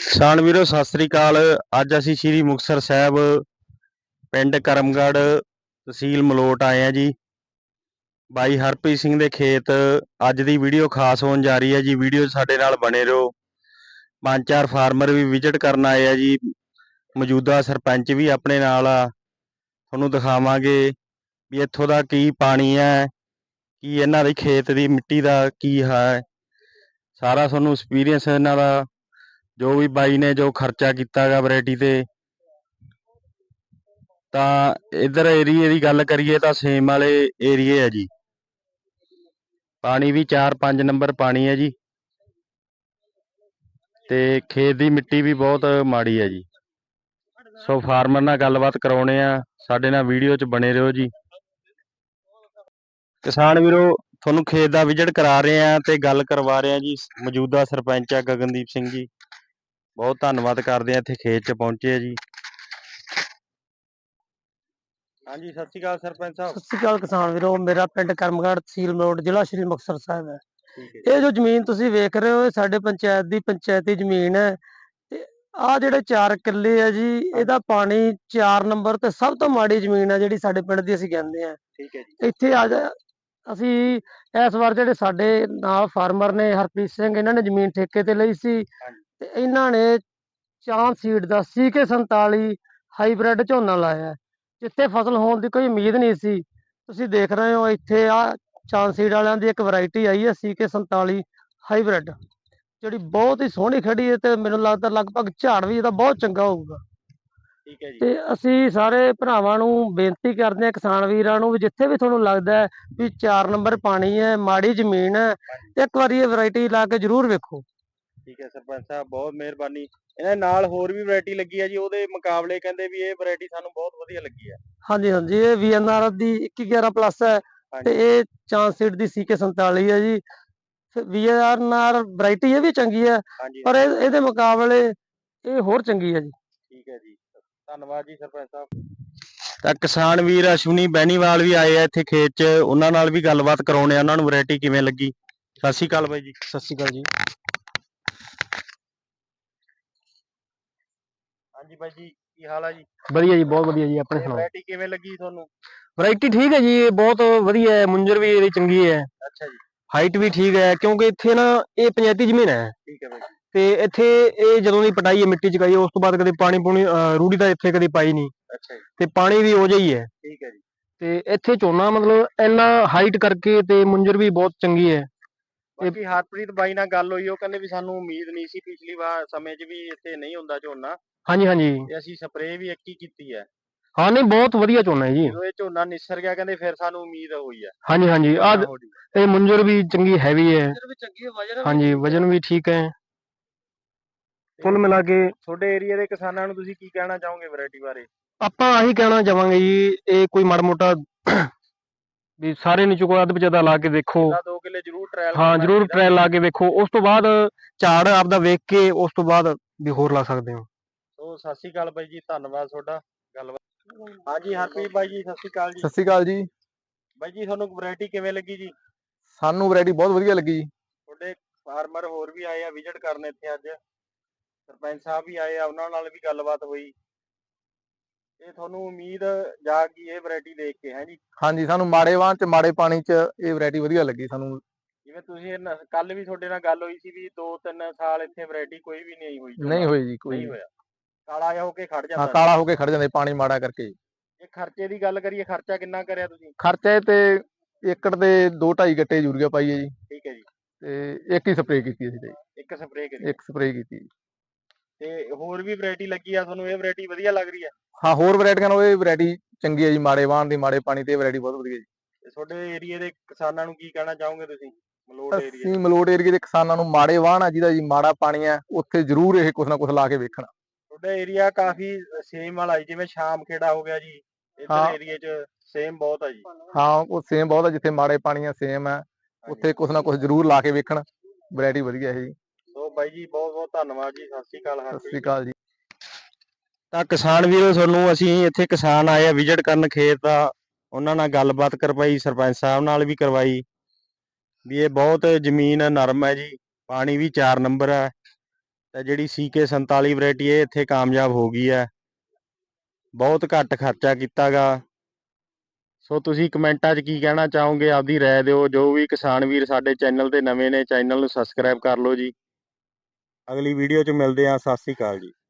ਕਿਸਾਨ ਵੀਰੋ ਸਤਿ ਸ੍ਰੀ ਅਕਾਲ। ਅੱਜ ਅਸੀਂ ਸ਼੍ਰੀ ਮੁਕਤਸਰ ਸਾਹਿਬ ਪਿੰਡ ਕਰਮਗੜ੍ਹ ਤਹਿਸੀਲ ਮਲੋਟ ਆਏ ਆ ਜੀ। ਬਾਈ ਹਰਪ੍ਰੀਤ ਸਿੰਘ ਦੇ ਖੇਤ ਅੱਜ ਦੀ ਵੀਡੀਓ ਖਾਸ ਹੋਣ ਜਾ ਰਹੀ ਹੈ ਜੀ। ਵੀਡੀਓ ਸਾਡੇ ਨਾਲ ਬਣੇ ਰਹੋ। ਪੰਜ ਚਾਰ ਫਾਰਮਰ ਵੀ ਵਿਜ਼ਿਟ ਕਰਨ ਆਏ ਆ ਜੀ। ਮੌਜੂਦਾ ਸਰਪੰਚ ਵੀ ਆਪਣੇ ਨਾਲ ਆ। ਤੁਹਾਨੂੰ ਦਿਖਾਵਾਂਗੇ ਵੀ ਇੱਥੋਂ ਦਾ ਕੀ ਪਾਣੀ ਹੈ, ਕੀ ਇਹਨਾਂ ਦੇ ਖੇਤ ਦੀ ਮਿੱਟੀ ਦਾ ਕੀ ਹੈ, ਸਾਰਾ ਤੁਹਾਨੂੰ ਐਕਸਪੀਰੀਅੰਸ ਇਹਨਾਂ ਦਾ, ਜੋ ਵੀ ਬਾਈ ਨੇ ਜੋ ਖਰਚਾ ਕੀਤਾ ਗਾ ਵੈਰਾਈਟੀ ਤੇ। ਤਾਂ ਇਧਰ ਏਰੀਏ ਦੀ ਗੱਲ ਕਰੀਏ ਤਾਂ ਸੇਮ ਵਾਲੇ ਏਰੀਏ ਹੈ ਜੀ। ਪਾਣੀ ਵੀ 4-5 ਨੰਬਰ ਪਾਣੀ ਹੈ ਜੀ, ਤੇ ਖੇਤ ਦੀ ਮਿੱਟੀ ਵੀ ਬਹੁਤ ਮਾੜੀ ਹੈ ਜੀ। ਸੋ ਫਾਰਮਰ ਨਾਲ ਗੱਲਬਾਤ ਕਰਾਉਣੇ ਆ, ਸਾਡੇ ਨਾਲ ਵੀਡੀਓ 'ਚ ਬਣੇ ਰਹੋ ਜੀ। ਕਿਸਾਨ ਵੀਰੋ ਤੁਹਾਨੂੰ ਖੇਤ ਦਾ ਵਿਜ਼ਿਟ ਕਰਾ ਰਹੇ ਆ ਤੇ ਗੱਲ ਕਰਵਾ ਰਹੇ ਆ ਜੀ। ਮੌਜੂਦਾ ਸਰਪੰਚ ਆ ਗਗਨਦੀਪ ਸਿੰਘ ਜੀ। ਬਹੁਤ ਧੰਨਵਾਦ ਕਰਦੇ ਆ ਇੱਥੇ ਖੇਤ 'ਚ ਪਹੁੰਚੇ ਆ ਜੀ। ਹਾਂਜੀ, ਸਤਿ ਸ਼੍ਰੀ ਅਕਾਲ ਸਰਪੰਚ ਸਾਹਿਬ। ਸਤਿ ਸ਼੍ਰੀ ਅਕਾਲ ਕਿਸਾਨ ਵੀਰੋ। ਮੇਰਾ ਪਿੰਡ ਕਰਮਗੜ੍ਹ, ਤਹਿਸੀਲ ਮਲੋਟ, ਜ਼ਿਲ੍ਹਾ ਸ਼੍ਰੀ ਮੁਕਤਸਰ ਸਾਹਿਬ ਹੈ। ਠੀਕ ਹੈ ਇਹ ਜੋ ਜ਼ਮੀਨ ਤੁਸੀਂ ਵੇਖ ਰਹੇ ਹੋ, ਇਹ ਸਾਡੇ ਪੰਚਾਇਤ ਦੀ ਪੰਚਾਇਤੀ ਜ਼ਮੀਨ ਹੈ। ਤੇ ਆਹ ਜਿਹੜੇ 4 ਕਿੱਲੇ ਆ ਜੀ, ਇਹਦਾ ਪਾਣੀ 4 ਨੰਬਰ ਤੇ ਸਭ ਤੋਂ ਮਾੜੀ ਜ਼ਮੀਨ ਹੈ ਜਿਹੜੀ ਸਾਡੇ ਪਿੰਡ ਦੀ ਅਸੀਂ ਕਹਿੰਦੇ ਆ। ਠੀਕ ਹੈ ਜੀ। ਇੱਥੇ ਅਸੀਂ ਇਸ ਵਾਰ ਜਿਹੜੇ ਸਾਡੇ ਨਾਲ ਫਾਰਮਰ ਨੇ ਹਰਪ੍ਰੀਤ ਸਿੰਘ, ਇਹਨਾਂ ਨੇ ਜ਼ਮੀਨ ਠੇਕੇ ਤੇ ਲਈ ਸੀ ਤੇ ਇਹਨਾਂ ਨੇ ਚਾਂਦ ਸੀਡ ਦਾ CK47 ਹਾਈਬ੍ਰਿਡ ਝੋਨਾ ਲਾਇਆ, ਜਿੱਥੇ ਫਸਲ ਹੋਣ ਦੀ ਕੋਈ ਉਮੀਦ ਨਹੀਂ ਸੀ। ਤੁਸੀਂ ਦੇਖ ਰਹੇ ਹੋ ਇੱਥੇ ਆ ਚਾਂਦ ਸੀਡ ਵਾਲਿਆਂ ਦੀ ਇੱਕ ਵੈਰਾਈਟੀ ਆਈ ਹੈ CK47 ਹਾਈਬ੍ਰਿਡ, ਜਿਹੜੀ ਬਹੁਤ ਹੀ ਸੋਹਣੀ ਖੜੀ ਹੈ ਤੇ ਮੈਨੂੰ ਲੱਗਦਾ ਲਗਭਗ ਝਾੜ ਵੀ ਇਹਦਾ ਬਹੁਤ ਚੰਗਾ ਹੋਊਗਾ। ਠੀਕ ਹੈ ਜੀ। ਤੇ ਅਸੀਂ ਸਾਰੇ ਭਰਾਵਾਂ ਨੂੰ ਬੇਨਤੀ ਕਰਦੇ ਹਾਂ, ਕਿਸਾਨ ਵੀਰਾਂ ਨੂੰ, ਵੀ ਜਿੱਥੇ ਵੀ ਤੁਹਾਨੂੰ ਲੱਗਦਾ ਹੈ ਵੀ 4 ਨੰਬਰ ਪਾਣੀ ਹੈ, ਮਾੜੀ ਜ਼ਮੀਨ ਹੈ, ਇੱਕ ਵਾਰੀ ਇਹ ਵੈਰਾਈਟੀ ਲਾ ਕੇ ਜ਼ਰੂਰ ਵੇਖੋ। ਠੀਕ ਹੈ ਸਰਪੰਚ ਸਾਹਿਬ, ਬਹੁਤ ਮਿਹਰਬਾਨੀ। ਇਹਨਾਂ ਨਾਲ ਹੋਰ ਵੀ ਵੈਰਾਈਟੀ ਲੱਗੀ ਹੈ ਜੀ, ਉਹਦੇ ਮੁਕਾਬਲੇ ਕਹਿੰਦੇ ਵੀ ਇਹ ਵੈਰਾਈਟੀ ਸਾਨੂੰ ਬਹੁਤ ਵਧੀਆ ਲੱਗੀ ਹੈ। ਹਾਂਜੀ ਹਾਂਜੀ, ਇਹ VNR ਦੀ 2111 ਪਲੱਸ ਹੈ ਤੇ ਇਹ ਚਾਂਦ ਸੀਡ ਦੀ CK47 ਹੈ ਜੀ। VNR ਵੈਰਾਈਟੀ ਇਹ ਵੀ ਚੰਗੀ ਹੈ, ਪਰ ਇਹਦੇ ਮੁਕਾਬਲੇ ਇਹ ਹੋਰ ਚੰਗੀ ਹੈ ਜੀ। ਠੀਕ ਹੈ ਜੀ, ਧੰਨਵਾਦ ਜੀ ਸਰਪੰਚ ਸਾਹਿਬ। ਤਾਂ ਕਿਸਾਨ ਵੀਰ ਅਸ਼ਵਨੀ ਬੈਨੀਵਾਲ ਵੀ ਆਏ ਆ ਇੱਥੇ ਖੇਤ 'ਚ, ਉਹਨਾਂ ਨਾਲ ਵੀ ਗੱਲਬਾਤ ਕਰਾਉਣੇ ਆ, ਉਹਨਾਂ ਨੂੰ ਵੈਰਾਈਟੀ ਕਿਵੇਂ ਲੱਗੀ। ਸਤਿ ਸ਼੍ਰੀ ਅਕਾਲ ਬਾਈ ਜੀ। ਸਤਿ ਸ਼੍ਰੀ ਅਕਾਲ ਜੀ। ਹਾਂਜੀ ਬਾਈ ਜੀ, ਕੀ ਹਾਲ ਆ ਜੀ? ਵਧੀਆ ਜੀ, ਬਹੁਤ ਵਧੀਆ ਜੀ। ਆਪਣੇ ਸੁਣਾਓ, ਵੈਰਾਈਟੀ ਕਿਵੇਂ ਲੱਗੀ ਤੁਹਾਨੂੰ? ਵੈਰਾਈਟੀ ਠੀਕ ਹੈ ਜੀ, ਇਹ ਬਹੁਤ ਵਧੀਆ ਹੈ। ਮੁੰਜਰ ਵੀ ਇਹਦੀ ਚੰਗੀ ਹੈ। ਅੱਛਾ ਜੀ। ਹਾਈਟ ਵੀ ਠੀਕ ਹੈ, ਕਿਉਂਕਿ ਇੱਥੇ ਨਾ ਇਹ ਪੰਚਾਇਤੀ ਜ਼ਮੀਨ ਹੈ। ਠੀਕ ਹੈ ਬਾਈ। ਤੇ ਇੱਥੇ ਇਹ ਜਦੋਂ ਦੀ ਪਟਾਈ ਹੈ, ਮਿੱਟੀ ਚਕਾਈ, ਉਸ ਤੋਂ ਬਾਅਦ ਕਦੇ ਪਾਣੀ ਪੂਣੀ ਰੂੜੀ ਤਾਂ ਇੱਥੇ ਕਦੇ ਪਾਈ ਨਹੀਂ। ਅੱਛਾ ਜੀ। ਤੇ ਪਾਣੀ ਵੀ ਉਹ ਜਿਹਾ ਹੀ ਹੈ। ਠੀਕ ਹੈ ਜੀ। ਤੇ ਇੱਥੇ ਝੋਨਾ ਮਤਲਬ ਇੰਨਾ ਹਾਈਟ ਕਰਕੇ ਤੇ ਮੁੰਜਰ ਵੀ ਬਹੁਤ ਚੰਗੀ ਹੈ। ਬਾਕੀ ਹਰਪ੍ਰੀਤ ਬਾਈ ਨਾਲ ਗੱਲ ਹੋਈ, ਉਹ ਕਹਿੰਦੇ ਵੀ ਸਾਨੂੰ ਉਮੀਦ ਨਹੀਂ ਸੀ ਪਿਛਲੀ ਵਾਰ ਸਮੇਂ 'ਚ ਵੀ ਇੱਥੇ ਨਹੀਂ ਹੁੰਦਾ ਝੋਨਾ। ਹਾਂਜੀ ਹਾਂਜੀ, ਤੇ ਅਸੀਂ ਸਪਰੇਅ ਵੀ ਇੱਕ ਹੀ ਕੀਤੀ ਹੈ। ਹਾਂ ਨਹੀਂ, ਬਹੁਤ ਵਧੀਆ ਝੋਨਾ ਹੈ ਜੀ। ਜਦੋਂ ਇਹ ਝੋਨਾ ਨਿਸਰ ਗਿਆ, ਕਹਿੰਦੇ ਫਿਰ ਸਾਨੂੰ ਉਮੀਦ ਹੋਈ ਹੈ। ਹਾਂਜੀ ਹਾਂਜੀ, ਇਹ ਮੁੰਜਰ ਵੀ ਚੰਗੀ ਹੈਵੀ ਹੈ। ਹਾਂਜੀ, ਵਜਨ ਵੀ ਠੀਕ ਹੈ। ਕੁੱਲ ਮਿਲਾ ਕੇ ਤੁਹਾਡੇ ਏਰੀਆ ਦੇ ਕਿਸਾਨਾਂ ਨੂੰ ਤੁਸੀਂ ਕੀ ਕਹਿਣਾ ਚਾਹੋਗੇ ਵੈਰਾਈਟੀ ਬਾਰੇ? ਆਪਾਂ ਆਹੀ ਕਹਿਣਾ ਚਾਹਾਂਗੇ ਜੀ, ਇਹ ਕੋਈ ਮਾੜਾ ਮੋਟਾ ਵੀ ਸਾਰੇ ਨੀਚੋਂ ਕੋਈ ਅੱਧ ਵਿਚਾਦਾ ਲਾ ਕੇ ਦੇਖੋ। 2 ਕਿੱਲੇ ਜ਼ਰੂਰ ਟ੍ਰਾਇਲ ਹਾਂ, ਜ਼ਰੂਰ ਟ੍ਰਾਇਲ ਲਾ ਕੇ ਵੇਖੋ। ਉਸ ਤੋਂ ਬਾਅਦ ਝਾੜ ਆਪਦਾ ਵੇਖ ਕੇ ਉਸ ਤੋਂ ਬਾਅਦ ਵੀ ਹੋਰ ਲਾ ਸਕਦੇ ਹੋ। ਸੋ ਸਤਿ ਸ਼੍ਰੀ ਅਕਾਲ ਬਾਈ ਜੀ, ਧੰਨਵਾਦ ਤੁਹਾਡਾ ਗੱਲਬਾਤ। ਹਾਂਜੀ ਹਰਪ੍ਰੀਤ ਬਾਈ ਜੀ, ਸਤਿ ਸ਼੍ਰੀ ਅਕਾਲ ਜੀ। ਸਤਿ ਸ਼੍ਰੀ ਅਕਾਲ ਜੀ। ਬਾਈ ਜੀ, ਤੁਹਾਨੂੰ ਵੈਰਾਈਟੀ ਕਿਵੇਂ ਲੱਗੀ ਜੀ? ਸਾਨੂੰ ਵੈਰਾਈਟੀ ਬਹੁਤ ਵਧੀਆ ਲੱਗੀ ਜੀ। ਤੁਹਾਡੇ ਫਾਰਮਰ ਹੋਰ ਵੀ ਆਏ ਆ ਵਿਜ਼ਿਟ ਕਰਨ ਇੱਥੇ ਅੱਜ, ਸਰਪੰਚ ਸਾਹਿਬ ਵੀ ਆਏ ਆ, ਉਹਨਾਂ ਨਾਲ ਵੀ ਗੱਲਬਾਤ ਹੋਈ। ਇਹ ਤੁਹਾਨੂੰ ਉਮੀਦ ਜਾਗੀ ਇਹ ਵੈਰਾਈਟੀ ਦੇਖ ਕੇ, ਹੈ ਜੀ? ਹਾਂਜੀ, ਸਾਨੂੰ ਮਾੜੇ ਵਾਹਣ ਚ ਮਾੜੇ ਪਾਣੀ ਚ ਇਹ ਵੈਰਾਈਟੀ ਵਧੀਆ ਲੱਗੀ ਸਾਨੂੰ। ਜਿਵੇਂ ਤੁਸੀਂ ਕੱਲ ਵੀ ਤੁਹਾਡੇ ਨਾਲ ਗੱਲ ਹੋਈ ਸੀ ਵੀ 2-3 ਸਾਲ ਇੱਥੇ ਵੈਰਾਈਟੀ ਕੋਈ ਵੀ ਨਹੀਂ ਹੋਈ। ਨਹੀਂ ਹੋਈ ਜੀ, ਕੋਈ ਨਹੀਂ ਹੋਇਆ, ਕਾਲਾ ਜਿਹਾ ਹੋ ਕੇ ਖੜ ਜਾਂਦਾ। ਹਾਂ, ਕਾਲਾ ਹੋ ਕੇ ਖੜ ਜਾਂਦੇ ਪਾਣੀ ਮਾੜਾ ਕਰਕੇ। ਜੇ ਖਰਚੇ ਦੀ ਗੱਲ ਕਰੀਏ, ਖਰਚਾ ਕਿੰਨਾ ਕਰਿਆ ਤੁਸੀਂ? ਖਰਚੇ ਤੇ ਏਕੜ ਦੇ 2-2.5 ਗੱਟੇ ਯੂਰੀਆ ਪਾਈ ਹੈ ਜੀ। ਠੀਕ ਹੈ ਜੀ। ਤੇ ਇੱਕ ਹੀ ਸਪਰੇਅ ਕੀਤੀ ਅਸੀਂ ਤੇ। ਇੱਕ ਸਪਰੇਅ ਕੀਤੀ? ਇੱਕ ਸਪਰੇਅ ਕੀਤੀ। ਤੇ ਹੋਰ ਵੀ ਵੈਰਾਈਟੀ ਲੱਗੀ ਆ ਤੁਹਾਨੂੰ, ਇਹ ਵੈਰਾਈਟੀ ਵਧੀਆ ਲੱਗ ਰਹੀ ਹੈ? ਹਾਂ, ਹੋਰ ਵੈਰਾਈਟੀਆਂ ਨਾਲੋਂ ਇਹ ਵੈਰਾਈਟੀ ਚੰਗੀ ਹੈ ਜੀ। ਮਾੜੇ ਵਾਹਣ ਦੀ ਮਾੜੇ ਪਾਣੀ ਤੇ ਇਹ ਵੈਰਾਈਟੀ ਬਹੁਤ ਵਧੀਆ ਜੀ। ਤੇ ਤੁਹਾਡੇ ਏਰੀਆ ਦੇ ਕਿਸਾਨਾਂ ਨੂੰ ਕੀ ਕਹਿਣਾ ਚਾਹੋਗੇ ਤੁਸੀਂ, ਮਲੋਟ ਏਰੀਆ? ਅਸੀਂ ਮਲੋਟ ਏਰੀਏ ਦੇ ਕਿਸਾਨਾਂ ਨੂੰ, ਮਾੜੇ ਵਾਹਣ ਆ ਜਿਹਦਾ ਜੀ ਮਾੜਾ ਪਾਣੀ ਹੈ, ਉੱਥੇ ਜ਼ਰੂਰ ਇਹ ਕੁਛ ਨਾ ਕੁਛ ਲਾ ਕੇ ਵੇਖਣ। ਤੁਹਾਡਾ ਏਰੀਆ ਕਾਫੀ ਸੇਮ ਵਾਲਾ ਜੀ, ਜਿਵੇਂ ਸ਼ਾਮ ਖੇੜਾ ਹੋ ਗਿਆ ਜੀ, ਇੱਧਰ ਏਰੀਏ 'ਚ ਸੇਮ ਬਹੁਤ ਆ ਜੀ। ਹਾਂ, ਉਹ ਸੇਮ ਬਹੁਤ ਆ, ਜਿੱਥੇ ਮਾੜੇ ਪਾਣੀ ਆ ਸੇਮ ਆ, ਉੱਥੇ ਕੁਛ ਨਾ ਕੁਛ ਜ਼ਰੂਰ ਲਾ ਕੇ ਵੇਖਣ। ਵੈਰਾਈਟੀ ਵਧੀਆ ਹੈ ਜੀ। ਸੋ ਬਾਈ ਜੀ, ਬਹੁਤ ਬਹੁਤ ਧੰਨਵਾਦ ਜੀ। ਸਤਿ ਸ਼੍ਰੀ ਅਕਾਲ। ਸਤਿ ਸ਼੍ਰੀ ਅਕਾਲ ਜੀ। ਤਾਂ ਕਿਸਾਨ ਵੀਰੋ, ਤੁਹਾਨੂੰ ਅਸੀਂ ਇੱਥੇ ਕਿਸਾਨ ਆਏ ਆ ਵਿਜ਼ਿਟ ਕਰਨ ਖੇਤ ਦਾ, ਉਹਨਾਂ ਨਾਲ ਗੱਲਬਾਤ ਕਰਵਾਈ, ਸਰਪੰਚ ਸਾਹਿਬ ਨਾਲ ਵੀ ਕਰਵਾਈ ਵੀ ਇਹ ਬਹੁਤ ਜ਼ਮੀਨ ਨਰਮ ਹੈ ਜੀ, ਪਾਣੀ ਵੀ 4 ਨੰਬਰ ਹੈ, ਤੇ ਜਿਹੜੀ CK47 ਵੈਰਾਈਟੀ ਇਹ ਇੱਥੇ ਕਾਮਯਾਬ ਹੋ ਗਈ ਹੈ। ਬਹੁਤ ਘੱਟ ਖਰਚਾ ਕੀਤਾ ਗਾ। ਸੋ ਤੁਸੀਂ ਕਮੈਂਟਾਂ 'ਚ ਕੀ ਕਹਿਣਾ ਚਾਹੋਗੇ, ਆਪਦੀ ਰਾਏ ਦਿਓ। ਜੋ ਵੀ ਕਿਸਾਨ ਵੀਰ ਸਾਡੇ ਚੈਨਲ ਤੇ ਨਵੇਂ ਨੇ, ਚੈਨਲ ਨੂੰ ਸਬਸਕ੍ਰਾਈਬ ਕਰ ਲਓ ਜੀ। ਅਗਲੀ ਵੀਡੀਓ 'ਚ ਮਿਲਦੇ ਹਾਂ। ਸਤਿ ਸ਼੍ਰੀ ਅਕਾਲ ਜੀ।